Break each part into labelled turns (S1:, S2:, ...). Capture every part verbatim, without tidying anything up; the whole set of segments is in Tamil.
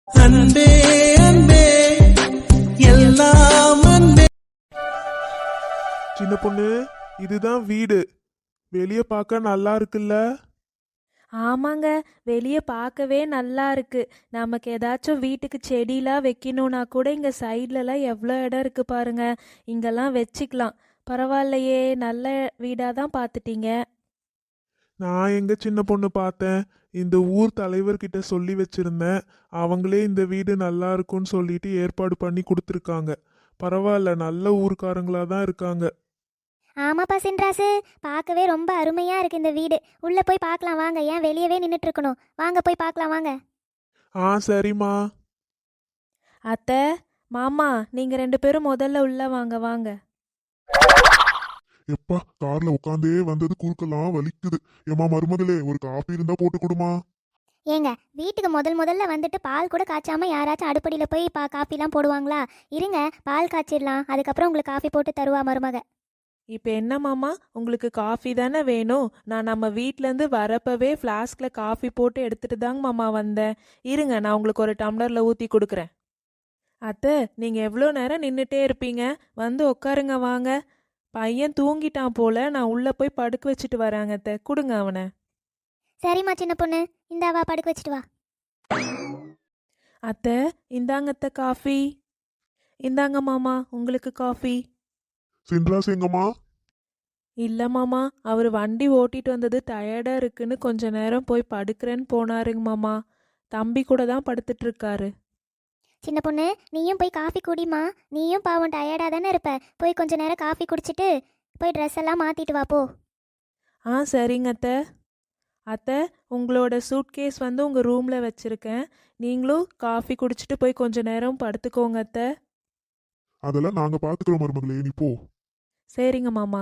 S1: அன்பே அன்பே எல்லாம் அன்பே.
S2: சின்ன பொண்ணு, இதுதான் வீடு. வெளியே பார்க்க நல்லா இருக்குல்ல?
S3: ஆமாங்க, வெளியே பார்க்கவே நல்லா இருக்கு. நமக்கு ஏதாச்சும் வீட்டுக்கு செடிலாம் வைக்கணும்னா கூட இங்கே சைட்லலாம் எவ்வளோ இடம் இருக்கு பாருங்க. இங்கெல்லாம் வச்சுக்கலாம். பரவாயில்லையே, நல்ல வீடாக தான் பார்த்துட்டீங்க.
S2: நான் எங்க சின்ன பொண்ணு பார்த்தேன். இந்த ஊர் தலைவர்கிட்ட சொல்லி வச்சிருந்தேன். அவங்களே இந்த வீடு நல்லா இருக்கும்னு சொல்லிட்டு ஏற்பாடு பண்ணி கொடுத்துருக்காங்க. பரவாயில்ல, நல்ல ஊர்க்காரங்களா தான் இருக்காங்க.
S4: ஆமாப்பா சின்ராசு, பார்க்கவே ரொம்ப அருமையா இருக்கு இந்த வீடு. உள்ள போய் பார்க்கலாம் வாங்க. ஏன் வெளியவே நின்றுட்டு இருக்கணும்? வாங்க போய் பார்க்கலாம் வாங்க.
S2: ஆ சரிம்மா.
S3: அத்தை, மாமா, நீங்கள் ரெண்டு பேரும் முதல்ல உள்ள வாங்க வாங்க.
S5: எப்பா கார்ல உட்காந்தே வந்தது குறுக்கெல்லாம் வலிக்குது. ஏமா மருமகளே, ஒரு காபி இருந்தா போட்டு கொடுமா.
S4: ஏங்க, வீட்டுக்கு முதல் முதல்ல வந்துட்டு பால் கூட காய்ச்சாம யாராச்சும் அடுப்படியில் போய் பா காப்பிலாம் போடுவாங்களா? இருங்க, பால் காய்ச்சிடலாம். அதுக்கப்புறம் உங்களுக்கு காஃபி போட்டு தருவா மருமக.
S3: இப்போ என்ன மாமா, உங்களுக்கு காஃபி தானே வேணும்? நான் நம்ம வீட்டிலேருந்து வரப்பவே ஃப்ளாஸ்கில் காஃபி போட்டு எடுத்துட்டு தாங்க மாமா வந்தேன். இருங்க, நான் உங்களுக்கு ஒரு டம்ளரில் ஊற்றி கொடுக்குறேன். அத்தை, நீங்கள் எவ்வளோ நேரம் நின்றுட்டே இருப்பீங்க? வந்து உட்காருங்க வாங்க. பையன் தூங்கிட்டான் போல, நான் உள்ளே போய் படுக்க வச்சுட்டு வராங்க. அத்தை, கொடுங்க அவனை.
S4: சரிம்மா சின்ன பொண்ணு, இந்தாவா படுக்க வச்சுட்டு வா.
S3: அத்தை, இந்தாங்க அத்தை காஃபி. இந்தாங்க மாமா, உங்களுக்கு காஃபி.
S5: சின்ராஸ் எங்கம்மா?
S3: இல்லை மாமா, அவர் வண்டி ஓட்டிட்டு வந்தது டயர்டாக இருக்குன்னு கொஞ்ச நேரம் போய் படுக்கிறேன்னு போனாருங்க மாமா. தம்பி கூட தான் படுத்துட்டு இருக்காரு.
S4: சின்ன பொண்ணு, நீயும் போய் காஃபி குடிமா. நீயும் பாவம் டயர்டாக தானே இருப்ப. போய் கொஞ்ச நேரம் காஃபி குடிச்சிட்டு போய் ட்ரெஸ் எல்லாம் மாற்றிட்டு வா போ.
S3: ஆ சரிங்க அத்தை. அத்தை, உங்களோட சூட்கேஸ் வந்து உங்கள் ரூமில் வச்சுருக்கேன். நீங்களும் காஃபி குடிச்சிட்டு போய் கொஞ்ச நேரம் படுத்துக்கோங்க அத்தை.
S5: அதெல்லாம் நாங்க பாத்துக்கிறோம் மருமகளே, நீ போ.
S3: சரிங்க மாமா.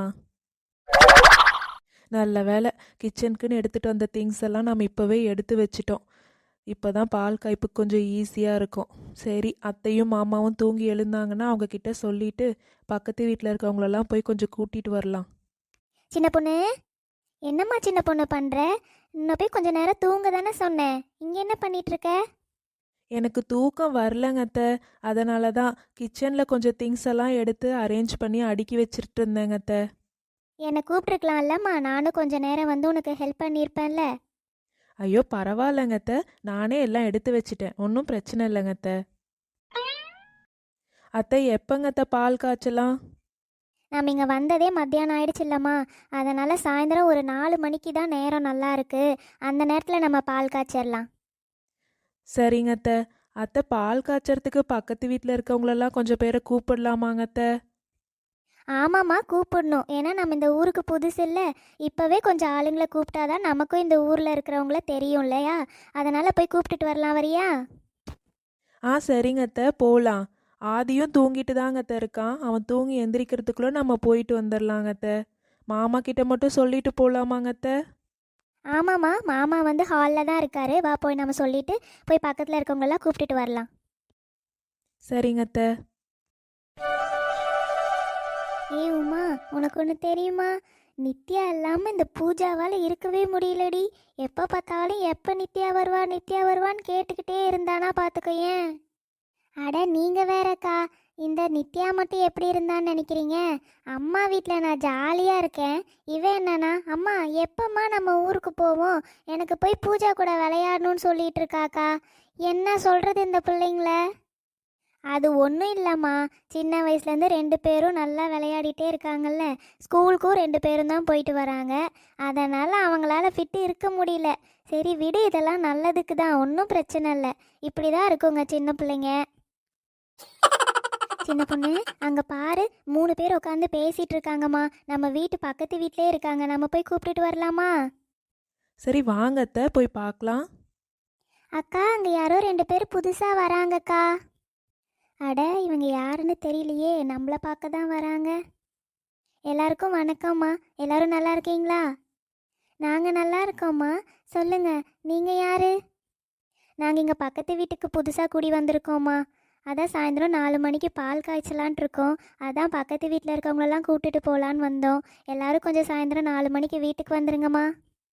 S3: நல்ல வேலை, கிச்சனுக்குன்னு எடுத்துகிட்டு வந்த திங்ஸ் எல்லாம் நம்ம இப்போவே எடுத்து வச்சிட்டோம். இப்போ தான் பால் காய்ப்புக்கு கொஞ்சம் ஈஸியாக இருக்கும். சரி, அத்தையும் மாமாவும் தூங்கி எழுந்தாங்கன்னா அவங்கக்கிட்ட சொல்லிவிட்டு பக்கத்து வீட்டில் இருக்கவங்களெல்லாம் போய் கொஞ்சம் கூட்டிகிட்டு வரலாம்.
S4: சின்ன பொண்ணு, என்னம்மா சின்ன பொண்ணு பண்ணுற? இன்னும் போய் கொஞ்ச நேரம் தூங்க தானே சொன்னேன். இங்கே என்ன பண்ணிட்டு இருக்க?
S3: எனக்கு தூக்கம் வரலங்க அத்தை. அதனால தான் கிச்சனில் கொஞ்சம் திங்ஸ் எல்லாம் எடுத்து அரேஞ்ச் பண்ணி அடுக்கி வச்சுட்டு இருந்தேங்க அத்தை.
S4: என்னை கூப்பிட்ருக்கலாம்லம்மா, நானும் கொஞ்ச நேரம் வந்து உனக்கு ஹெல்ப் பண்ணியிருப்பேன்ல.
S3: ஐயோ பரவாயில்லங்க அத்தை, நானே எல்லாம் எடுத்து வச்சிட்டேன். ஒன்றும் பிரச்சனை இல்லைங்க அத்தை. அத்தை, எப்போங்க அத்தை பால் காய்ச்சலாம்?
S4: நம்ம இங்கே வந்ததே மத்தியானம் ஆயிடுச்சு இல்லம்மா. அதனால் சாயந்தரம் ஒரு நாலு மணிக்கு தான் நேரம் நல்லா இருக்கு. அந்த நேரத்தில் நம்ம பால் காய்ச்சிடலாம்.
S3: சரிங்க அத்தை. அத்தை, பால் காய்ச்சறதுக்கு பக்கத்து வீட்டில் இருக்கவங்களெல்லாம் கொஞ்சம் பேரை கூப்பிடலாமாங்க அத்தை?
S4: ஆமாம்மா, கூப்பிடணும். ஏன்னா நம்ம இந்த ஊருக்கு புதுசு இல்லை. இப்போவே கொஞ்சம் ஆளுங்களை கூப்பிட்டாதான் நமக்கும் இந்த ஊரில் இருக்கிறவங்கள தெரியும் இல்லையா? அதனால் போய் கூப்பிட்டுட்டு வரலாம், வரியா?
S3: ஆ சரிங்க அத்தை, போகலாம். ஆதியும் தூங்கிட்டு தாங்க அத்தை இருக்கான். அவன் தூங்கி எந்திரிக்கிறதுக்குள்ளே நம்ம போயிட்டு வந்துடலாங்க அத்தை. மாமா கிட்ட மட்டும் சொல்லிட்டு போகலாமாங்க அத்தை?
S4: ஆமாம்மா, மாமா வந்து ஹாலில் தான் இருக்காரு. வா, போய் நம்ம சொல்லிட்டு போய் பக்கத்தில் இருக்கவங்களெல்லாம் கூப்பிட்டுட்டு வரலாம்.
S3: சரிங்க அத்தை.
S4: ஏ உமா, உனக்கு ஒன்று தெரியுமா? நித்யா இல்லாமல் இந்த பூஜாவால் இருக்கவே முடியலடி. எப்போ பார்த்தாலும் எப்போ நித்யா வருவா நித்யா வருவான்னு கேட்டுக்கிட்டே இருந்தானா பார்த்துக்கோ. ஏன் அட நீங்கள் வேறக்கா, இந்த நித்யா மட்டும் எப்படி இருந்தான்னு நினைக்கிறீங்க? அம்மா வீட்டில் நான் ஜாலியாக இருக்கேன். இவன் என்னன்னா, அம்மா எப்போம்மா நம்ம ஊருக்கு போவோம், எனக்கு போய் பூஜா கூட விளையாடணும்னு சொல்லிட்டு இருக்காக்கா. என்ன சொல்கிறது இந்த பிள்ளைங்கள? அது ஒன்றும் இல்லைம்மா, சின்ன வயசுலேருந்து ரெண்டு பேரும் நல்லா விளையாடிட்டே இருக்காங்கல்ல. ஸ்கூலுக்கும் ரெண்டு பேரும் தான் போயிட்டு வராங்க. அதனால் அவங்களால ஃபிட்டு இருக்க முடியல. சரி விடு, இதெல்லாம் நல்லதுக்கு தான், ஒன்றும் பிரச்சனை இல்லை. இப்படி தான் இருக்குங்க சின்ன பிள்ளைங்க. சின்ன பொண்ணு, அங்கே பாரு, மூணு பேர் உட்காந்து பேசிகிட்டு இருக்காங்கம்மா. நம்ம வீட்டு பக்கத்து வீட்டிலே இருக்காங்க. நம்ம போய் கூப்பிட்டுட்டு வரலாமா?
S3: சரி வாங்க அத்தை, போய் பார்க்கலாம்.
S4: அக்கா, அங்கே யாரோ ரெண்டு பேர் புதுசாக வராங்கக்கா. அட, இவங்க யாருன்னு தெரியலையே, நம்மளை பார்க்க தான் வராங்க. எல்லாருக்கும் வணக்கம்மா. எல்லாரும் நல்லா இருக்கீங்களா? நாங்கள் நல்லா இருக்கோம்மா. சொல்லுங்க, நீங்கள் யாரு? நாங்கள் இங்கே பக்கத்து வீட்டுக்கு புதுசாக கூடி வந்திருக்கோம்மா. அதான் சாயந்தரம் நாலு மணிக்கு பால் காய்ச்சலான் இருக்கோம். அதான் பக்கத்து வீட்டில் இருக்கவங்களெல்லாம் கூப்பிட்டுட்டு போகலான்னு வந்தோம். எல்லோரும் கொஞ்சம் சாயந்தரம் நாலு மணிக்கு வீட்டுக்கு வந்துருங்கம்மா.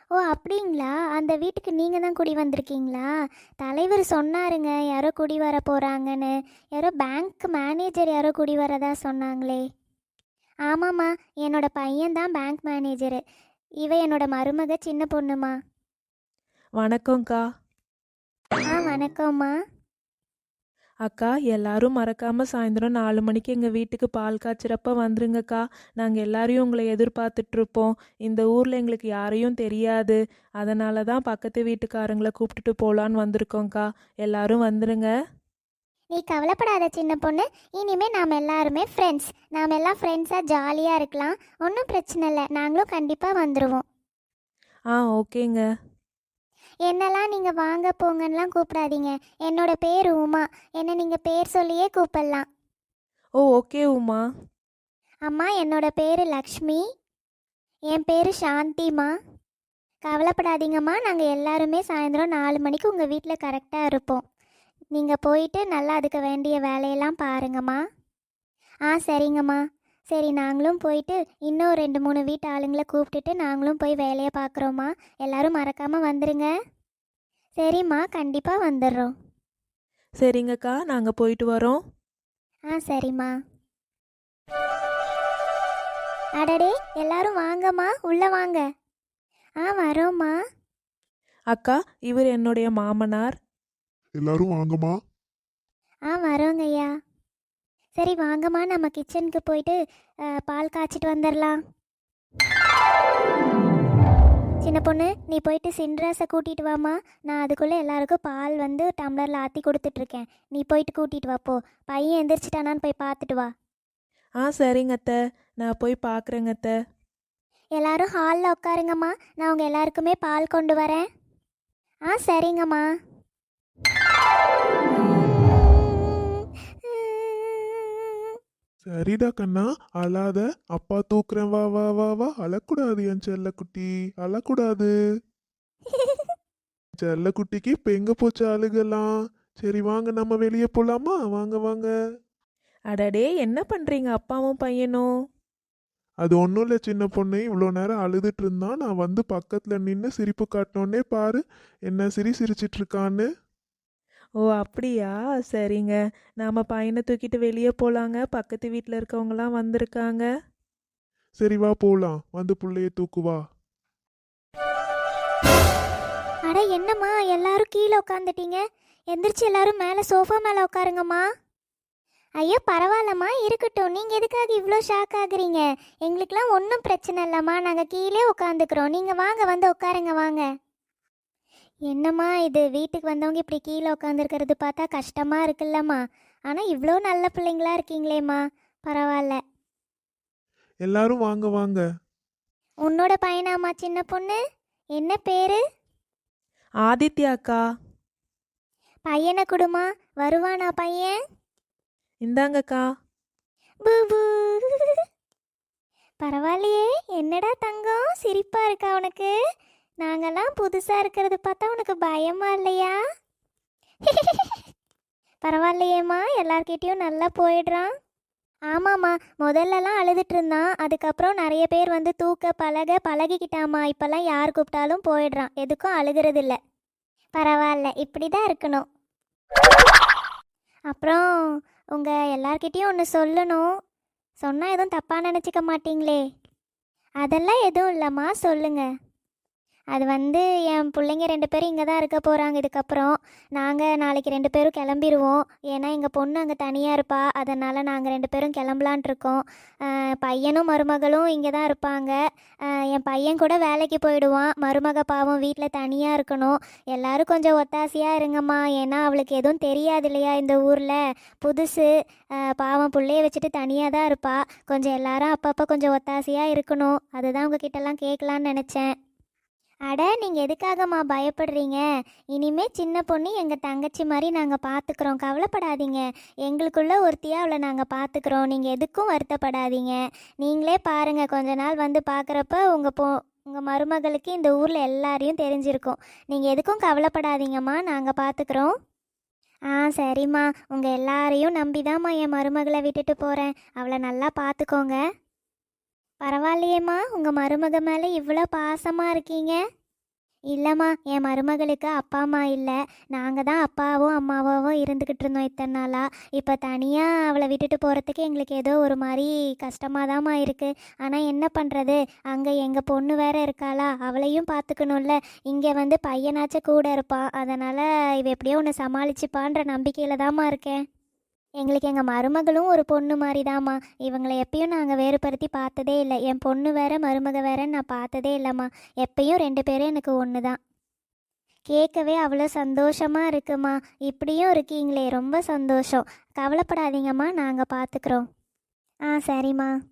S4: ஓ அப்படிங்களா? அந்த வீட்டுக்கு நீங்கள் தான் குடி வந்திருக்கீங்களா? தலைவர் சொன்னாருங்க யாரோ குடி வர போகிறாங்கன்னு. யாரோ பேங்க் மேனேஜர் யாரோ குடி வரதா சொன்னாங்களே. ஆமாம்மா, என்னோட பையன்தான் பேங்க் மேனேஜரு. இவ என்னோட மருமக சின்ன பொண்ணுமா.
S3: வணக்கம்க்கா.
S4: ஆ வணக்கம்மா.
S3: அக்கா, எல்லாரும் மறக்காம சாயந்தரம் நாலு மணிக்கு எங்கள் வீட்டுக்கு பால் காய்ச்சறப்ப வந்துருங்கக்கா. நாங்கள் எல்லாரையும் உங்களை எதிர்பார்த்துட்ருப்போம். இந்த ஊரில் எங்களுக்கு யாரையும் தெரியாது. அதனால தான் பக்கத்து வீட்டுக்காரங்களை கூப்பிட்டுட்டு போகலான்னு வந்திருக்கோங்க்கா. எல்லாரும் வந்துருங்க.
S4: நீ கவலைப்படாத சின்ன பொண்ணு. இனிமே நாம் எல்லாருமே ஃப்ரெண்ட்ஸ். நாம் எல்லாம் ஃப்ரெண்ட்ஸாக ஜாலியாக இருக்கலாம். ஒன்றும் பிரச்சனை இல்லை. நாங்களும் கண்டிப்பாக வந்துடுவோம்.
S3: ஆ ஓகேங்க.
S4: என்னெல்லாம் நீங்கள் வாங்க போங்கன்னெலாம் கூப்பிடாதீங்க. என்னோட பேர் உமா. என்னை நீங்கள் பேர் சொல்லியே கூப்பிடலாம்.
S3: ஓ ஓகே உமா.
S4: அம்மா, என்னோட பேர் லக்ஷ்மி. என் பேர் சாந்திமா. கவலைப்படாதீங்கம்மா, நாங்கள் எல்லாருமே சாயந்தரம் நாலு மணிக்கு உங்கள் வீட்டில் கரெக்டாக இருப்போம். நீங்கள் போயிட்டு நல்லா அதுக்கு வேண்டிய வேலையெல்லாம் பாருங்கம்மா. ஆ சரிங்கம்மா. சரி, நாங்களும் போயிட்டு இன்னும் ரெண்டு மூணு வீட்டு ஆளுங்களை கூப்பிட்டுட்டு நாங்களும் போய் வேலையை பார்க்குறோம்மா. எல்லாரும் மறக்காமல் வந்துடுங்க. சரிம்மா, கண்டிப்பாக வந்துடுறோம்.
S3: சரிங்கக்கா, நாங்கள் போயிட்டு வரோம்.
S4: ஆ சரிம்மா. அடடே, எல்லாரும் வாங்கம்மா, உள்ளே வாங்க. ஆ வரோம்மா.
S3: அக்கா, இவர் என்னுடைய மாமனார்.
S5: எல்லாரும் வாங்கம்மா.
S4: ஆ வரோங்கய்யா. சரி வாங்கம்மா, நம்ம கிச்சனுக்கு போயிட்டு அஹ், பால் காய்ச்சிட்டு வந்துடலாம். சின்ன பொண்ணு, நீ போயிட்டு சின்ராஸை கூட்டிகிட்டு வாம்மா. நான் அதுக்குள்ளே எல்லாருக்கும் பால் வந்து டம்ளரில் ஆற்றி கொடுத்துட்ருக்கேன். நீ போயிட்டு கூட்டிகிட்டு வா போ. பையன் எந்திரிச்சிட்டானான்னு போய் பார்த்துட்டு வா.
S3: ஆ சரிங்க அத்தை, நான் போய் பார்க்குறேங்க அத்தை.
S4: எல்லாரும் ஹாலில் உட்காருங்கம்மா. நான் உங்கள் எல்லாருக்குமே பால் கொண்டு வரேன். ஆ சரிங்கம்மா.
S2: சரிடா கண்ணா, அழாத. அப்பா தூக்குறேன், வா வா வா வா. அழக்கூடாது என் செல்லக்குட்டி, அழக்கூடாது. செல்லக்குட்டிக்கு இப்போ எங்க போச்சு அழுகலாம்? சரி வாங்க, நம்ம வெளியே போலாமா? வாங்க வாங்க.
S3: அடடே, என்ன பண்ணுறீங்க அப்பாவும் பையனும்?
S2: அது ஒன்றும் இல்லை சின்ன பொண்ணு, இவ்வளோ நேரம் அழுதுட்டு இருந்தான். நான் வந்து பக்கத்தில் நின்று சிரிப்பு காட்டினோடனே பாரு என்ன சிரி சிரிச்சிட்டு இருக்கான்னு.
S3: ஓ அப்படியா? சரிங்க. நாம் பையனை தூக்கிட்டு வெளியே போகலாங்க. பக்கத்து வீட்டில் இருக்கவங்களாம் வந்திருக்காங்க.
S2: சரி வா போலாம், வந்து புள்ளைய தூக்குவா.
S4: அட என்னம்மா, எல்லாரும் கீழே உட்காந்துட்டீங்க. எந்திரிச்சு எல்லாரும் மேலே சோஃபா மேலே உட்காருங்கம்மா. ஐயோ பரவாயில்லம்மா, இருக்கட்டும். நீங்கள் எதுக்காக இவ்வளோ ஷாக் ஆகுறீங்க? எங்களுக்கெல்லாம் ஒன்றும் பிரச்சனை இல்லைம்மா. நாங்கள் கீழே உட்காந்துக்கிறோம். நீங்கள் வாங்க, வந்து உட்காருங்க வாங்க. என்னம்மா இது, வீட்டுக்கு வந்தவங்க இப்படி கீழே உட்காந்துருக்கிறது பார்த்தா கஷ்டமாக இருக்குல்லம்மா. ஆனால் இவ்வளோ நல்ல பிள்ளைங்களா இருக்கீங்களேம்மா, பரவாயில்ல.
S2: எல்லாரும் வாங்க வாங்க.
S4: உன்னோட பையனாம்மா சின்ன பொண்ணு? என்ன பேரு?
S3: ஆதித்யாக்கா.
S4: பையனை கொடுமா. வருவானா பையன்?
S3: இந்தாங்கக்கா.
S4: பூபூ. பரவாயில்லையே, என்னடா தங்கம் சிரிப்பா இருக்கா உனக்கு? நாங்கெல்லாம் புதுசா இருக்கிறது பார்த்தா உனக்கு பயமா இல்லையா? பரவாயில்லையேம்மா, எல்லார்கிட்டயும் நல்லா போயிடுறான். ஆமாம்மா, முதல்லலாம் அழுதுட்டு இருந்தான். அதுக்கப்புறம் நிறைய பேர் வந்து தூக்க பழக பழகிக்கிட்டாம்மா. இப்போல்லாம் யார் கூப்பிட்டாலும் போயிடுறான். எதுக்கும் அழுகிறது இல்லை. பரவாயில்ல, இப்படி தான் இருக்கணும். அப்புறம் உங்கள் எல்லார்கிட்டேயும் ஒன்று சொல்லணும். சொன்னால் எதுவும் தப்பாக நினச்சிக்க மாட்டீங்களே? அதெல்லாம் எதுவும் இல்லைம்மா, சொல்லுங்க. அது வந்து என் பிள்ளைங்க ரெண்டு பேரும் இங்கே தான் இருக்க போகிறாங்க. இதுக்கப்புறம் நாங்கள் நாளைக்கு ரெண்டு பேரும் கிளம்பிடுவோம். ஏன்னா எங்கள் பொண்ணு அங்கே தனியாக இருப்பா. அதனால் நாங்கள் ரெண்டு பேரும் கிளம்பலான் இருக்கோம். பையனும் மருமகளும் இங்கே தான் இருப்பாங்க. என் பையன் கூட வேலைக்கு போயிடுவான். மருமக பாவம் வீட்டில் தனியாக இருக்கணும். எல்லோரும் கொஞ்சம் ஒத்தாசையாக இருங்கம்மா. ஏன்னா அவளுக்கு எதுவும் தெரியாது இல்லையா, இந்த ஊரில் புதுசு. பாவம் பிள்ளைய வச்சுட்டு தனியாக தான் இருப்பா. கொஞ்சம் எல்லாரும் அப்பப்போ கொஞ்சம் ஒத்தாசையாக இருக்கணும். அதுதான் உங்ககிட்டலாம் கேட்கலான்னு நினச்சேன். அட நீங்கள் எதுக்காகம்மா பயப்படுறீங்க? இனிமே சின்ன பொண்ணு எங்கள் தங்கச்சி மாதிரி நாங்கள் பார்த்துக்குறோம். கவலைப்படாதீங்க. எங்களுக்குள்ள ஒருத்தியாக அவளை நாங்கள் பார்த்துக்குறோம். நீங்கள் எதுக்கும் வருத்தப்படாதீங்க. நீங்களே பாருங்கள், கொஞ்ச நாள் வந்து பார்க்குறப்ப உங்கள் பொ உங்கள் மருமகளுக்கு இந்த ஊரில் எல்லாரையும் தெரிஞ்சிருக்கும். நீங்கள் எதுக்கும் கவலைப்படாதீங்கம்மா, நாங்கள் பார்த்துக்குறோம். ஆ சரிம்மா, உங்கள் எல்லாரையும் நம்பிதாம்மா என் மருமகளை விட்டுட்டு போகிறேன். அவளை நல்லா பார்த்துக்கோங்க. பரவாயில்லையேம்மா, உங்கள் மருமக மேலே இவ்வளோ பாசமாக இருக்கீங்க. இல்லைம்மா, என் மருமகளுக்கு அப்பா அம்மா இல்லை. நாங்கள் தான் அப்பாவும் அம்மாவாவும் இருந்துக்கிட்டு இருந்தோம் இத்தனை நாளாக. இப்போ தனியாக அவளை விட்டுட்டு போகிறதுக்கு எங்களுக்கு ஏதோ ஒரு மாதிரி கஷ்டமாக தாம்மா இருக்குது. ஆனால் என்ன பண்ணுறது, அங்கே எங்கள் பொண்ணு வேற இருக்காளா, அவளையும் பார்த்துக்கணும்ல. இங்கே வந்து பையனாச்சும் கூட இருப்பான், அதனால் இவ எப்படியோ ஒன்று சமாளிச்சுப்பான்ற நம்பிக்கையில் தாம்மா இருக்கேன். எங்களுக்கு எங்கள் மருமகளும் ஒரு பொண்ணு மாதிரி தாம்மா. இவங்களை எப்பயும் நாங்கள் வேறுபடுத்தி பார்த்ததே இல்லை. என் பொண்ணு வேற மருமக வேறன்னு நான் பார்த்ததே இல்லைம்மா. எப்பயும் ரெண்டு பேரும் எனக்கு ஒன்று தான். கேட்கவே அவ்வளோ சந்தோஷமாக இருக்குமா. இப்படியும் இருக்கீங்களே, ரொம்ப சந்தோஷம். கவலைப்படாதீங்கம்மா, நாங்கள் பார்த்துக்குறோம். ஆ சரிம்மா.